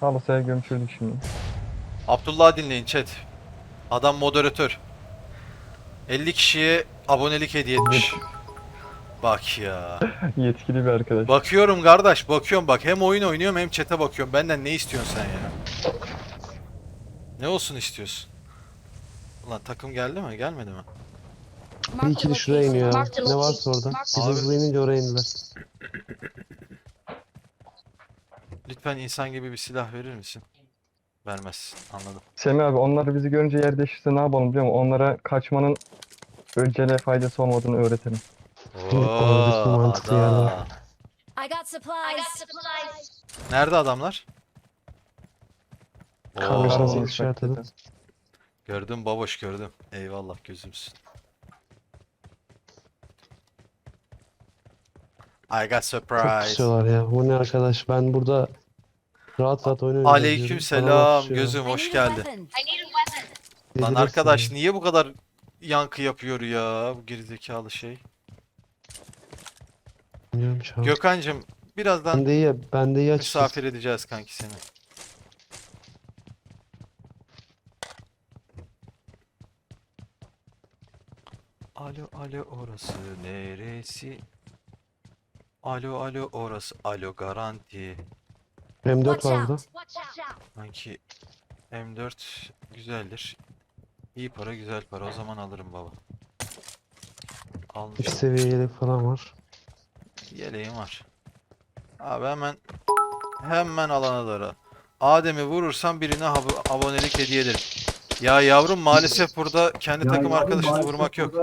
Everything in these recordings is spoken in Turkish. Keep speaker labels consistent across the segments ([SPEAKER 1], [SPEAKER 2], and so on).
[SPEAKER 1] Halı gömçürdük şimdi.
[SPEAKER 2] Abdullah'ı dinleyin chat. Adam moderatör. 50 kişiye abonelik hediye etmiş. Bak ya.
[SPEAKER 1] Yetkili bir arkadaş.
[SPEAKER 2] Bakıyorum kardeş, bakıyorum bak. Hem oyun oynuyorum hem chat'e bakıyorum. Benden ne istiyorsun sen ya? Ne olsun istiyorsun? Ulan takım geldi mi? Gelmedi mi?
[SPEAKER 3] Bir iki de şuraya iniyor ya. Ne varsa orada. Biz
[SPEAKER 2] Abi.
[SPEAKER 3] hızlı inince oraya indiler.
[SPEAKER 2] Lütfen insan gibi bir silah verir misin? Vermez. Anladım.
[SPEAKER 1] Semih abi onlar bizi görünce yer değişirse ne yapalım biliyor musun? Onlara kaçmanın öncele faydası olmadığını öğretelim.
[SPEAKER 3] Oradaki
[SPEAKER 2] Oo,
[SPEAKER 3] mantıklı yerler.
[SPEAKER 2] adam.
[SPEAKER 4] I got supplies.
[SPEAKER 2] Nerede adamlar? Oo,
[SPEAKER 3] Karşınıza
[SPEAKER 1] Oo.
[SPEAKER 3] işaretledim.
[SPEAKER 2] gördüm baboş gördüm. Eyvallah gözümsün. I got
[SPEAKER 3] Çok
[SPEAKER 2] surprise.
[SPEAKER 3] kusuyorlar ya. Bu ne arkadaş? Ben burada rahat rahat oyun oynayacağım
[SPEAKER 2] Aleyküm
[SPEAKER 3] diyorum.
[SPEAKER 2] selam
[SPEAKER 3] Adamlar kusuyor.
[SPEAKER 2] gözüm
[SPEAKER 4] I
[SPEAKER 2] hoş
[SPEAKER 4] need a
[SPEAKER 2] geldin.
[SPEAKER 4] weapon.
[SPEAKER 2] Lan
[SPEAKER 3] Delirirsin
[SPEAKER 2] arkadaş
[SPEAKER 3] ya.
[SPEAKER 2] niye bu kadar yankı yapıyor ya bu gerizekalı şey?
[SPEAKER 3] Bilmiyorum ki abi.
[SPEAKER 2] Gökhan'cım birazdan
[SPEAKER 3] Ben de iyi açıkçası.
[SPEAKER 2] misafir edeceğiz kanki seni. Alo alo orası neresi? Alo alo orası alo garanti.
[SPEAKER 3] M4
[SPEAKER 4] Watch
[SPEAKER 3] var burada.
[SPEAKER 4] out.
[SPEAKER 2] Sanki M4 güzeldir. İyi para güzel para o zaman alırım baba.
[SPEAKER 3] Üst
[SPEAKER 2] Almışım.
[SPEAKER 3] seviye yelek falan var.
[SPEAKER 2] Yeleğim var. Abi hemen alana doğru. Adem'i vurursam birine abonelik hediye ederim. Ya yavrum maalesef burada kendi takım arkadaşını vurmak yok.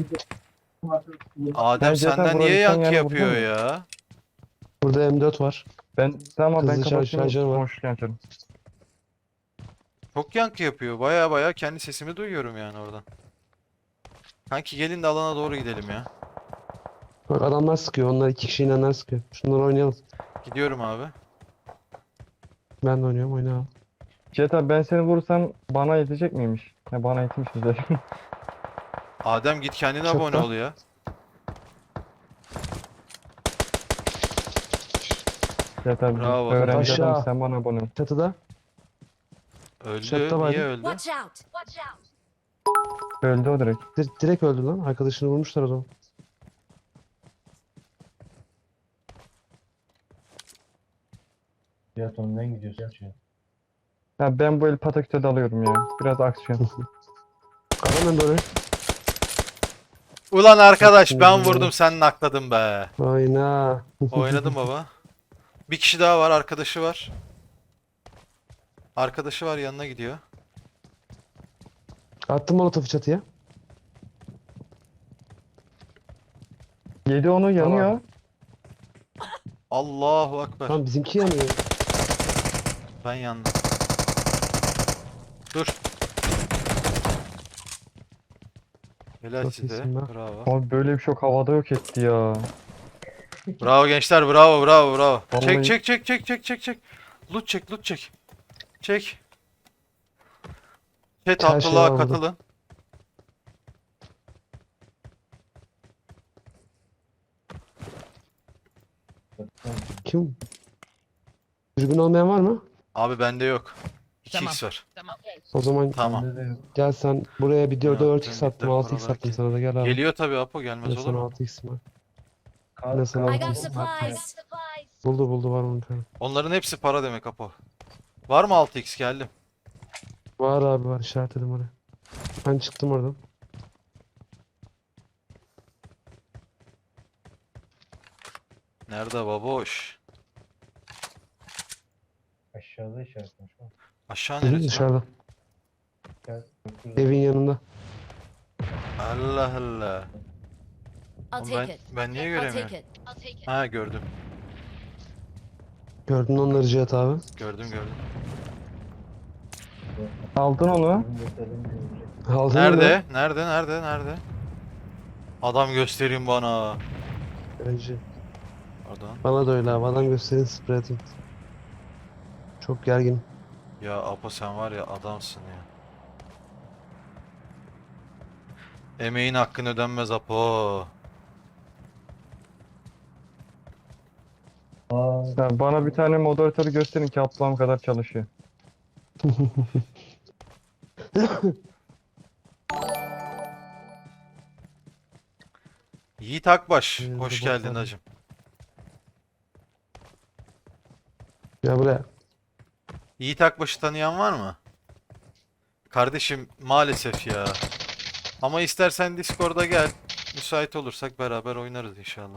[SPEAKER 2] Adem
[SPEAKER 1] Bence yeter,
[SPEAKER 2] senden niye
[SPEAKER 1] burayı sen
[SPEAKER 2] yankı
[SPEAKER 1] yani
[SPEAKER 2] yapıyor
[SPEAKER 1] vurdun mu?
[SPEAKER 2] ya?
[SPEAKER 3] Burada M4 var.
[SPEAKER 1] Tamam ben
[SPEAKER 3] Hızlı
[SPEAKER 1] kapatayım.
[SPEAKER 3] şarjör var.
[SPEAKER 1] Konuşurken açarım.
[SPEAKER 2] Çok yankı yapıyor. Baya kendi sesimi duyuyorum yani oradan. Kanki gelin de alana doğru gidelim ya.
[SPEAKER 3] Bak adamlar sıkıyor. Onlar iki kişi inenler sıkıyor. Şunları oynayalım.
[SPEAKER 2] Gidiyorum abi.
[SPEAKER 3] Ben de oynuyorum. Oyna abi.
[SPEAKER 1] Cihat abi ben seni vurursam bana yetecek miymiş? Ya bana yetmiş zaten.
[SPEAKER 2] Adem git kendine
[SPEAKER 3] Çöp
[SPEAKER 2] abone
[SPEAKER 3] var.
[SPEAKER 2] ol ya.
[SPEAKER 1] Cihat abi
[SPEAKER 2] Bravo.
[SPEAKER 1] öğrenci
[SPEAKER 3] Aşağı.
[SPEAKER 1] adam sen bana abone ol.
[SPEAKER 3] Çatıda.
[SPEAKER 2] Öldü.
[SPEAKER 3] Chatta vardı.
[SPEAKER 2] Niye öldü?
[SPEAKER 4] Watch out.
[SPEAKER 1] Öldü o direkt.
[SPEAKER 3] Direkt öldü lan. Arkadaşını vurmuşlar o zaman.
[SPEAKER 5] Cihat önden gidiyorsun Cihat.
[SPEAKER 1] Ya ben bu el pataküte dalıyorum ya. Biraz aksiyon.
[SPEAKER 3] Adam ben böyle.
[SPEAKER 2] Ulan arkadaş
[SPEAKER 3] Şimdi
[SPEAKER 2] ben
[SPEAKER 3] ya.
[SPEAKER 2] vurdum sen nakladın be.
[SPEAKER 3] Oyna.
[SPEAKER 2] Oynadım baba. Bir kişi daha var arkadaşı var. Arkadaşı var yanına gidiyor.
[SPEAKER 3] Attım molotofu çatıya.
[SPEAKER 1] Yedi onu yanıyor.
[SPEAKER 2] Allahu Ekber.
[SPEAKER 3] Tamam bizimki yanıyor.
[SPEAKER 2] Ben yandım. Dur. Helal
[SPEAKER 3] Çok
[SPEAKER 2] size.
[SPEAKER 3] iyisin lan.
[SPEAKER 2] Bravo.
[SPEAKER 1] Abi böyle bir şok havada yok etti ya.
[SPEAKER 2] Bravo gençler. Bravo.
[SPEAKER 1] Vallahi-
[SPEAKER 2] Çek. Loot çek. Çek. Chat
[SPEAKER 3] Her şey
[SPEAKER 2] Abdullah'a
[SPEAKER 3] var burada.
[SPEAKER 2] katılın.
[SPEAKER 3] Kim? Dürbün olmayan var mı?
[SPEAKER 2] Abi bende yok. 2x
[SPEAKER 6] Tamam.
[SPEAKER 2] var.
[SPEAKER 3] O zaman
[SPEAKER 2] Tamam.
[SPEAKER 5] Bende de yok.
[SPEAKER 3] gel sen buraya bir 4'e
[SPEAKER 2] Ya,
[SPEAKER 3] 4x attım.
[SPEAKER 2] dönmekler
[SPEAKER 3] 6x
[SPEAKER 2] paralar
[SPEAKER 3] attım
[SPEAKER 2] ki.
[SPEAKER 3] sana da gel abi.
[SPEAKER 2] Geliyor tabii Apo
[SPEAKER 3] Ne
[SPEAKER 2] gelmez olur
[SPEAKER 3] sana
[SPEAKER 2] mu?
[SPEAKER 3] 6x var.
[SPEAKER 5] Kar,
[SPEAKER 3] Ne sana
[SPEAKER 4] I got
[SPEAKER 3] oldu?
[SPEAKER 4] supplies.
[SPEAKER 3] Buldu var onun kanka.
[SPEAKER 2] Onların hepsi para demek Apo. Var mı 6x geldim.
[SPEAKER 3] Var abi var işaretledim oraya. Ben çıktım oradan.
[SPEAKER 2] Nerede baboş?
[SPEAKER 5] aşağıda işaretmiş. Bak.
[SPEAKER 2] Aşağı
[SPEAKER 3] Hı hı,
[SPEAKER 2] neresi lan?
[SPEAKER 3] dışarıda.
[SPEAKER 5] Gel.
[SPEAKER 3] Evin yanında.
[SPEAKER 2] Allah Allah.
[SPEAKER 4] I'll
[SPEAKER 2] Oğlum
[SPEAKER 4] take it.
[SPEAKER 2] ben niye
[SPEAKER 4] I'll
[SPEAKER 2] göremiyorum?
[SPEAKER 4] take it.
[SPEAKER 2] Ha gördüm.
[SPEAKER 3] Gördün onları Cihat abi.
[SPEAKER 2] Gördüm.
[SPEAKER 1] Aldın onu.
[SPEAKER 3] Aldın mı?
[SPEAKER 2] Nerede? Adam göstereyim bana.
[SPEAKER 3] Önce.
[SPEAKER 2] Pardon.
[SPEAKER 3] Bana da öyle abi. Adam gösterin sprey atayım. Çok gergin.
[SPEAKER 2] Ya Apo sen var ya adamsın ya. Emeğin hakkın ödenmez Apo.
[SPEAKER 5] Aa Tamam.
[SPEAKER 1] Ya bana bir tane moderatörü gösterin ki ablam kadar çalışıyor.
[SPEAKER 2] Yiğit Akbaş.
[SPEAKER 3] Önümüzde
[SPEAKER 2] Hoş
[SPEAKER 3] bot
[SPEAKER 2] geldin
[SPEAKER 3] var.
[SPEAKER 2] hacım.
[SPEAKER 3] Ya buraya.
[SPEAKER 2] Yiğit Akbaş'ı tanıyan var mı? Kardeşim maalesef ya. Ama istersen Discord'a gel. Müsait olursak beraber oynarız inşallah.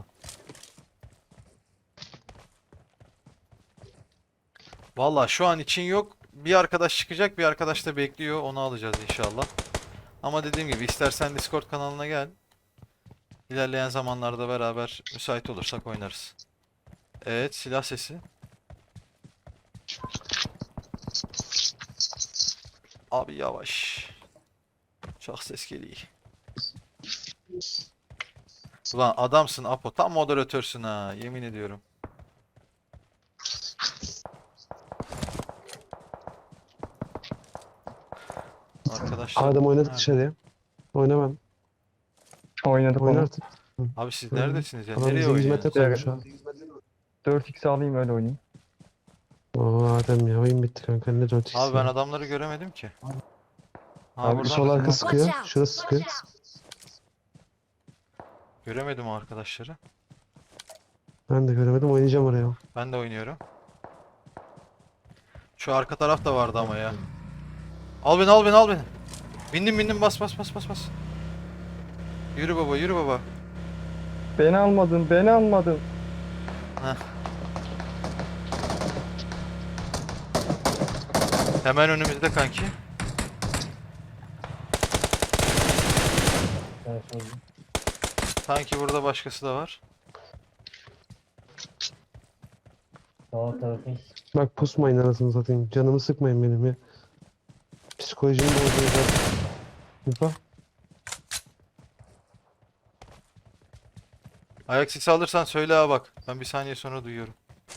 [SPEAKER 2] Valla şu an için yok. Bir arkadaş çıkacak, bir arkadaş da bekliyor. Onu alacağız inşallah. Ama dediğim gibi istersen Discord kanalına gel. İlerleyen zamanlarda beraber müsait olursak oynarız. Evet, silah sesi. Abi yavaş. Çok ses geliyor. Ulan adamsın Apo. Tam moderatörsün ha. Yemin ediyorum. Arkadaşlar.
[SPEAKER 3] Adem oynadık
[SPEAKER 2] nerede?
[SPEAKER 3] dışarıya. Oynamam.
[SPEAKER 1] Oynadık
[SPEAKER 3] Oyna
[SPEAKER 1] onu.
[SPEAKER 3] artık.
[SPEAKER 2] Abi siz
[SPEAKER 3] Oyna.
[SPEAKER 2] neredesiniz ya?
[SPEAKER 3] Adam
[SPEAKER 2] Nereye
[SPEAKER 3] bize 100 metre
[SPEAKER 2] oynuyorsunuz?
[SPEAKER 3] koymuş ha.
[SPEAKER 1] 4x alayım öyle oynayayım.
[SPEAKER 3] Oo Adem ya oyun bitti kanka. Ne 4x
[SPEAKER 2] Abi ben
[SPEAKER 3] ya.
[SPEAKER 2] adamları göremedim ki. Ha
[SPEAKER 1] Abi
[SPEAKER 2] buradan
[SPEAKER 3] Sol
[SPEAKER 2] mısın?
[SPEAKER 3] arka sıkıyor.
[SPEAKER 4] Watch out.
[SPEAKER 3] Şurası sıkıyor.
[SPEAKER 2] Göremedim o arkadaşları.
[SPEAKER 3] Ben de göremedim. Oynayacağım oraya.
[SPEAKER 2] Ben de oynuyorum. Şu arka taraf da vardı ama ya. Al beni al beni al beni. Bindim bas bas bas bas bas. Yürü baba yürü baba.
[SPEAKER 1] Beni almadın, beni almadın.
[SPEAKER 2] Hemen önümüzde kanki.
[SPEAKER 5] Ben sordum.
[SPEAKER 2] Sanki burada başkası da var.
[SPEAKER 5] Sağ tarafın
[SPEAKER 3] Bak pusmayın anasını satayım. Canımı sıkmayın benim ya. Psikolojimi bozuyor zaten. Yupa.
[SPEAKER 2] Ayak sesi alırsan söyle ha bak. Ben bir saniye sonra duyuyorum.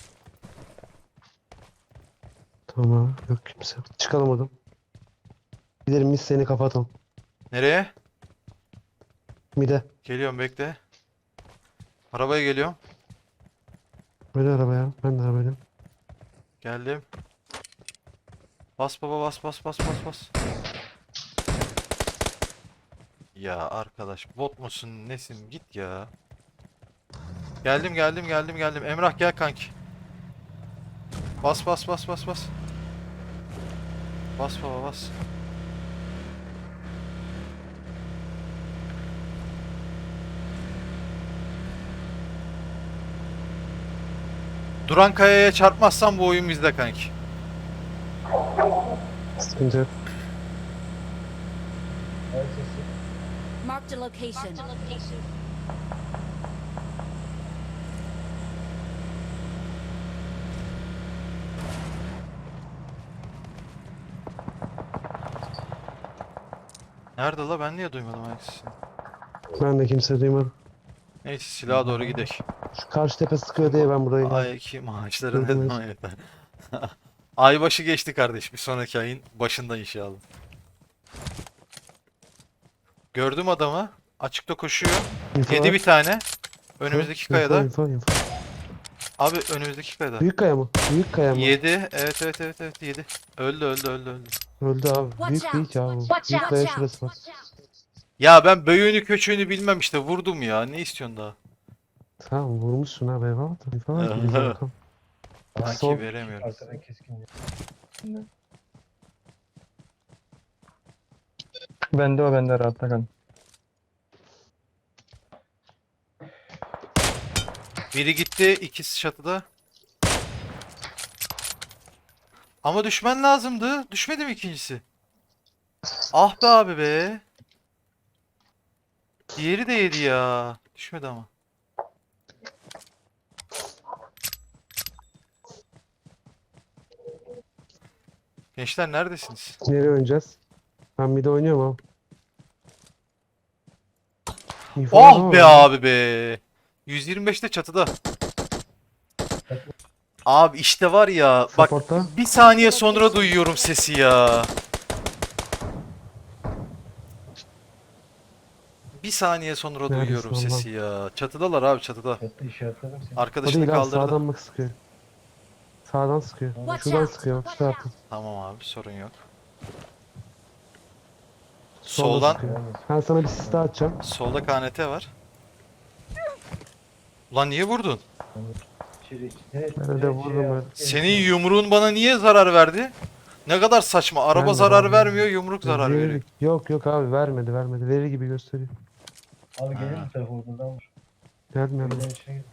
[SPEAKER 3] Tamam. Yok kimse. Çıkalım oradan. Gidelim biz seni kapatalım.
[SPEAKER 2] Nereye?
[SPEAKER 3] Mide.
[SPEAKER 2] Geliyorum bekle. Arabaya geliyorum.
[SPEAKER 3] Böyle arabaya. Ben de arabayla.
[SPEAKER 2] Geldim. Bas baba bas bas bas bas bas. Ya arkadaş bot musun nesin git ya. Geldim. Emrah gel kanki. Bas bas bas bas bas. Bas baba bas. Duran kayaya çarpmazsan bu oyun bizde kanki.
[SPEAKER 3] Sıkıntı yok.
[SPEAKER 5] her sesi.
[SPEAKER 4] Marked a location.
[SPEAKER 2] Nerede la ben niye duymadım ayak sesini?
[SPEAKER 3] Ben de kimse duymadım.
[SPEAKER 2] Neyse silaha doğru gidelim.
[SPEAKER 3] Şu karşı tepe sıkıyor diye ben burayı.
[SPEAKER 2] Ay iki maaşları ne
[SPEAKER 3] Durdunuz.
[SPEAKER 2] zaman yeter. Aybaşı geçti kardeş. Bir sonraki ayın başında inşallah. Gördüm adamı. Açıkta koşuyor.
[SPEAKER 3] Info
[SPEAKER 2] Yedi
[SPEAKER 3] var.
[SPEAKER 2] bir tane. Önümüzdeki
[SPEAKER 3] Info,
[SPEAKER 2] kayada.
[SPEAKER 3] info.
[SPEAKER 2] Abi önümüzdeki kayada.
[SPEAKER 3] Büyük kaya mı? Büyük kaya mı?
[SPEAKER 2] Yedi. Evet yedi. Öldü.
[SPEAKER 3] Öldü abi.
[SPEAKER 4] Watch
[SPEAKER 3] Büyük
[SPEAKER 4] out.
[SPEAKER 3] değil ki abi. bu.
[SPEAKER 4] Watch
[SPEAKER 3] Büyük
[SPEAKER 4] out.
[SPEAKER 3] kaya
[SPEAKER 4] Watch
[SPEAKER 3] şurası
[SPEAKER 4] out.
[SPEAKER 3] var.
[SPEAKER 2] Ya ben böyüğünü köçüğünü bilmem işte vurdum ya. Ne istiyorsun daha?
[SPEAKER 3] Tamam vurmuşsun abi eyvallah. Info var ki bize bakalım.
[SPEAKER 2] Sanki
[SPEAKER 3] Sol.
[SPEAKER 2] veremiyorum.
[SPEAKER 5] Arkadan keskin.
[SPEAKER 1] Bende o bende rahatta kal.
[SPEAKER 2] Biri gitti. İkisi çatıda. Ama düşmen lazımdı. Düşmedi mi ikincisi? Ah be abi be. Diğeri de yedi ya. Düşmedi ama. Gençler neredesiniz?
[SPEAKER 3] Nereye oynayacağız? Ben bir de oynuyorum abi. Info var
[SPEAKER 2] Oh
[SPEAKER 3] ama
[SPEAKER 2] be
[SPEAKER 3] bende.
[SPEAKER 2] abi be. 125'te çatıda. Abi işte var ya bak
[SPEAKER 3] Support'ta.
[SPEAKER 2] bir saniye sonra duyuyorum sesi ya. Bir saniye sonra
[SPEAKER 3] Neredesin
[SPEAKER 2] duyuyorum
[SPEAKER 3] Allah'ım?
[SPEAKER 2] sesi ya. Çatıdalar abi çatıda.
[SPEAKER 5] Çatı işaretledim seni.
[SPEAKER 3] O
[SPEAKER 2] Arkadaşını
[SPEAKER 3] değil abi
[SPEAKER 2] kaldırdı.
[SPEAKER 3] sağdan bak sıkıyor. Sağdan sıkıyor.
[SPEAKER 4] Watch
[SPEAKER 3] Şuradan
[SPEAKER 4] out.
[SPEAKER 3] sıkıyor bak şu taraftan.
[SPEAKER 2] Tamam abi sorun yok.
[SPEAKER 3] Solda
[SPEAKER 2] Soldan
[SPEAKER 3] sıkıyor. Ben sana bir sis daha atacağım.
[SPEAKER 2] solda KNT var. Ulan niye vurdun?
[SPEAKER 3] Ben de vurdum öyle.
[SPEAKER 2] Senin yumruğun bana niye zarar verdi? Ne kadar saçma. Araba
[SPEAKER 3] Vermedi
[SPEAKER 2] zarar
[SPEAKER 3] abi.
[SPEAKER 2] vermiyor, yumruk zarar
[SPEAKER 3] Verir-
[SPEAKER 2] veriyor.
[SPEAKER 3] Yok yok abi vermedi. Verir gibi gösteriyor.
[SPEAKER 5] Abi gelin
[SPEAKER 2] Ha.
[SPEAKER 5] bu tarafa oradan vur.
[SPEAKER 3] Gelmiyor.
[SPEAKER 5] Buradan içine gir.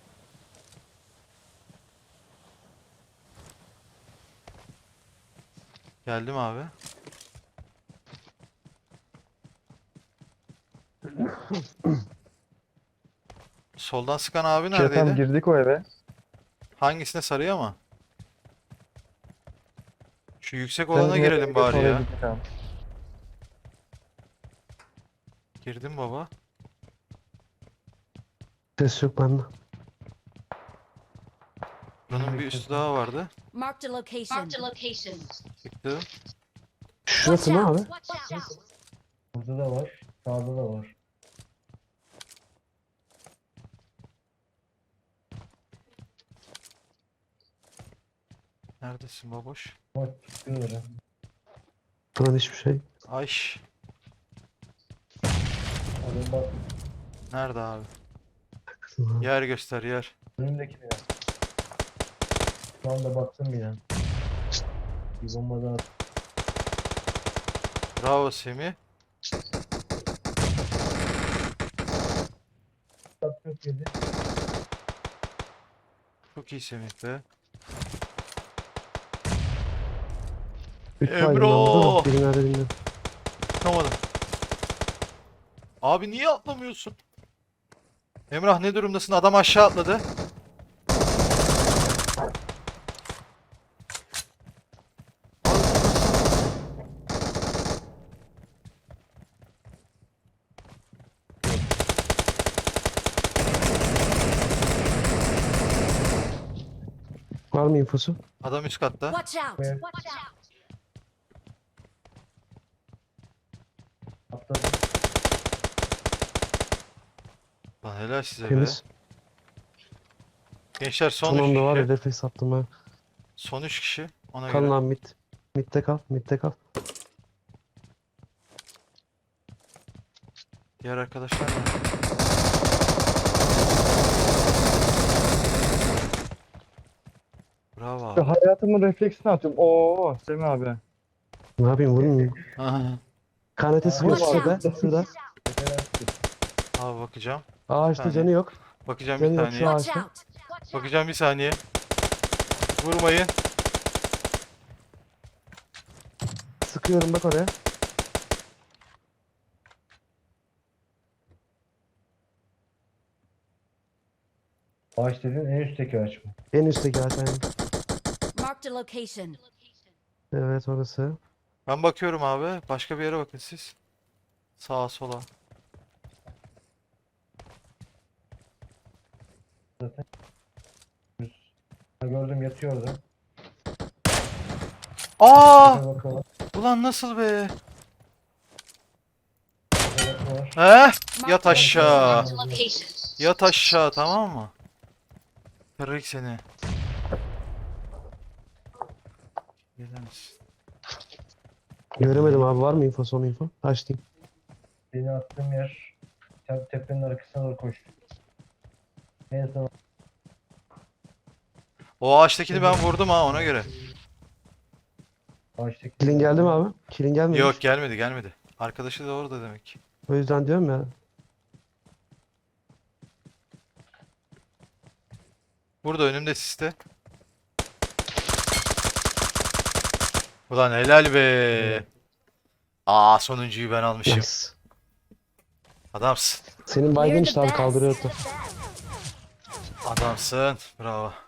[SPEAKER 2] Geldim abi. Soldan sıkan abi
[SPEAKER 1] Çetem
[SPEAKER 2] neredeydi?
[SPEAKER 1] girdik o eve.
[SPEAKER 2] Hangisine sarıyor ama? Şu yüksek
[SPEAKER 1] Sen
[SPEAKER 2] olana
[SPEAKER 1] bizim
[SPEAKER 2] girelim
[SPEAKER 1] eve
[SPEAKER 2] bari
[SPEAKER 1] oraya
[SPEAKER 2] ya.
[SPEAKER 1] gittik abi.
[SPEAKER 2] Girdim baba.
[SPEAKER 3] Ses yok bende.
[SPEAKER 2] Buranın bir üstü daha vardı.
[SPEAKER 4] Marked a location.
[SPEAKER 2] Çıktı.
[SPEAKER 3] Şurası ne abi?
[SPEAKER 5] Burada da var. Sağda da var.
[SPEAKER 2] Neredesin baboş?
[SPEAKER 5] Ama çıkıyorlar ha.
[SPEAKER 3] Buradan hiçbir şey.
[SPEAKER 2] Ayş.
[SPEAKER 5] Adam bak.
[SPEAKER 2] Nerede abi? Yer göster yer.
[SPEAKER 5] Önümdeki bina. Şu anda baktım bina. Bir bomba daha at.
[SPEAKER 2] Bravo Semih.
[SPEAKER 5] Çok yedi.
[SPEAKER 2] Çok iyi Semih be.
[SPEAKER 3] 3
[SPEAKER 2] Emre!
[SPEAKER 3] baygın aldı da biri nerede bilmiyorum.
[SPEAKER 2] Çıkamadım. Abi niye atlamıyorsun? Emrah ne durumdasın? Adam aşağı atladı.
[SPEAKER 3] Var mı infosu?
[SPEAKER 2] Adam üst katta.
[SPEAKER 4] Watch out.
[SPEAKER 5] Evet. Atladım.
[SPEAKER 2] Lan helal size be.
[SPEAKER 3] Temiz.
[SPEAKER 2] Gençler son
[SPEAKER 3] Son
[SPEAKER 2] 3
[SPEAKER 3] anda var ya
[SPEAKER 2] kişi.
[SPEAKER 3] refleks attım ha.
[SPEAKER 2] Son 3 kişi. Ona
[SPEAKER 3] Kal
[SPEAKER 2] göre.
[SPEAKER 3] lan mid. Mid'de kal. Mid'de kal.
[SPEAKER 2] Diğer arkadaşlar ne? Bravo abi.
[SPEAKER 1] Hayatımın refleksini atıyorum. Oo Semih abi.
[SPEAKER 3] Ne yapayım vurmayayım.
[SPEAKER 2] Aha.
[SPEAKER 3] KNT sıkıyor
[SPEAKER 4] Watch
[SPEAKER 3] şurada.
[SPEAKER 4] out.
[SPEAKER 3] Şurada.
[SPEAKER 5] Tepeler çıktı.
[SPEAKER 2] Abi bakacağım.
[SPEAKER 3] Ağaçta
[SPEAKER 2] Saniye.
[SPEAKER 3] canı yok.
[SPEAKER 2] Bakacağım
[SPEAKER 3] Canı
[SPEAKER 2] bir
[SPEAKER 3] yok şu
[SPEAKER 2] saniye.
[SPEAKER 4] Watch
[SPEAKER 3] ağaçta.
[SPEAKER 4] out.
[SPEAKER 2] Bakacağım bir saniye. Vurmayın.
[SPEAKER 3] Sıkıyorum bak oraya.
[SPEAKER 5] Ağaç dediğin en üstteki ağaç mı?
[SPEAKER 3] En üstteki ağaç aynen.
[SPEAKER 4] Marked a location.
[SPEAKER 3] Evet orası.
[SPEAKER 2] Ben bakıyorum abi. Başka bir yere bakın siz. Sağa sola.
[SPEAKER 5] Ha, gördüm yatıyor orada.
[SPEAKER 2] Aa!
[SPEAKER 5] Tepe bakalım.
[SPEAKER 2] Ulan nasıl be?
[SPEAKER 5] Tepe var.
[SPEAKER 2] He? Yat aşağı.
[SPEAKER 4] Marked a location.
[SPEAKER 2] Yat aşağı tamam mı? Kırık seni. Gelir misin?
[SPEAKER 3] Göremedim abi var mı info son info? Açtım.
[SPEAKER 5] Beni attığım yer tepenin arkasına doğru koş. En son
[SPEAKER 2] O ağaçtakini ben vurdum ha ona göre.
[SPEAKER 5] ağaçtaki.
[SPEAKER 3] Kilin geldi mi abi? Kilin gelmedi.
[SPEAKER 2] Yok gelmedi gelmedi. Arkadaşı da orada demek.
[SPEAKER 3] O yüzden diyorum ya.
[SPEAKER 2] Burada önümde siste. Ulan helal be. Aa sonuncuyu ben almışım.
[SPEAKER 3] Nice.
[SPEAKER 2] Adamsın.
[SPEAKER 3] Senin baygın
[SPEAKER 4] You're
[SPEAKER 3] işte
[SPEAKER 4] the
[SPEAKER 3] abi kaldırıyor.
[SPEAKER 4] best.
[SPEAKER 2] Adamsın. Bravo.